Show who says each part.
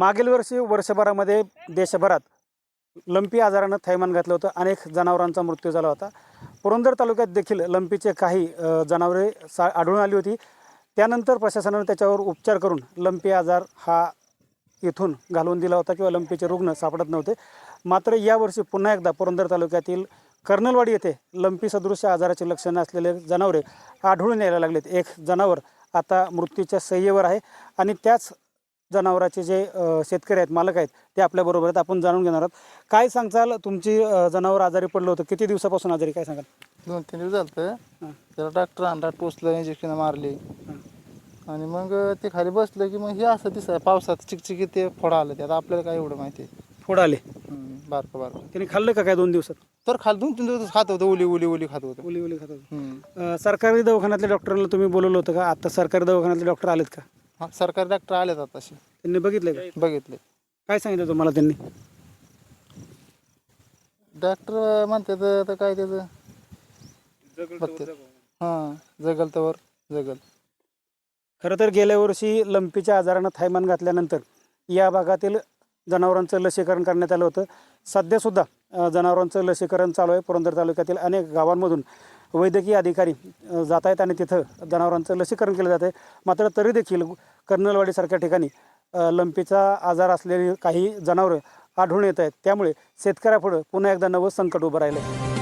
Speaker 1: मागील वर्षी वर्षभरामध्ये देशभरात लंपी आजारानं थैमान घातलं होतं. अनेक जनावरांचा मृत्यू झाला होता. पुरंदर तालुक्यात देखील लंपीचे काही जनावरे आढळून आली होती. त्यानंतर प्रशासनाने त्याच्यावर उपचार करून लंपी आजार हा इथून घालवून दिला होता किंवा लंपीचे रुग्ण सापडत नव्हते. मात्र यावर्षी पुन्हा एकदा पुरंदर तालुक्यातील कर्नलवाडी येथे लंपी सदृश आजाराची लक्षणं असलेले जनावरे आढळून यायला लागलेत. एक जनावर आता मृत्यूच्या सय्येवर आहे आणि त्याच जनावराचे जे शेतकरी आहेत, मालक आहेत, ते आपल्याबरोबर आहेत. आपण जाणून घेणार आहोत. काय सांगचाल, तुमची जनावर आजारी पडलं होतं, किती दिवसापासून आजारी, काय सांगाल?
Speaker 2: 2-3 दिवस झालं. त्याला डॉक्टर आणला, टोचलं, इंजेक्शन मारली आणि मग ते खाली बसलं की मग हे असं दिसतं पावसात चिकचिकी ते फोडा आलं. ते आता आपल्याला काय एवढं माहिती आहे.
Speaker 1: फोड आले?
Speaker 2: बारकं बारकं.
Speaker 1: त्यांनी खाल्लं का काय 2 दिवसात?
Speaker 2: तर खाली 2-3 दिवस खात होतं, उली खात होतं.
Speaker 1: उली खात होतं. सरकारी दवाखान्यातल्या डॉक्टरांना तुम्ही बोलवलं होतं का? आता सरकारी दवाखान्यातले डॉक्टर आलेत का?
Speaker 2: हां, सरकारी डॉक्टर आलेत आताशी.
Speaker 1: त्यांनी बघितलं का?
Speaker 2: बघितले.
Speaker 1: काय सांगितलं तुम्हाला त्यांनी?
Speaker 2: डॉक्टर म्हणतात तर काय त्याचं हां, जगल तर जगल.
Speaker 1: खरं तर गेल्या वर्षी लंपीच्या आजारानं थैमान घातल्यानंतर या भागातील जनावरांचं लसीकरण करण्यात आलं होतं. सध्यासुद्धा जनावरांचं लसीकरण चालू आहे. पुरंदर तालुक्यातील अनेक गावांमधून वैद्यकीय अधिकारी जात आहेत आणि तिथं जनावरांचं लसीकरण केलं जातं आहे. मात्र तरी देखील कर्नलवाडीसारख्या ठिकाणी लंपीचा आजार असलेली काही जनावरं आढळून येत आहेत. त्यामुळे शेतकऱ्यापुढं पुन्हा एकदा नवं संकट उभं राहिलं आहे.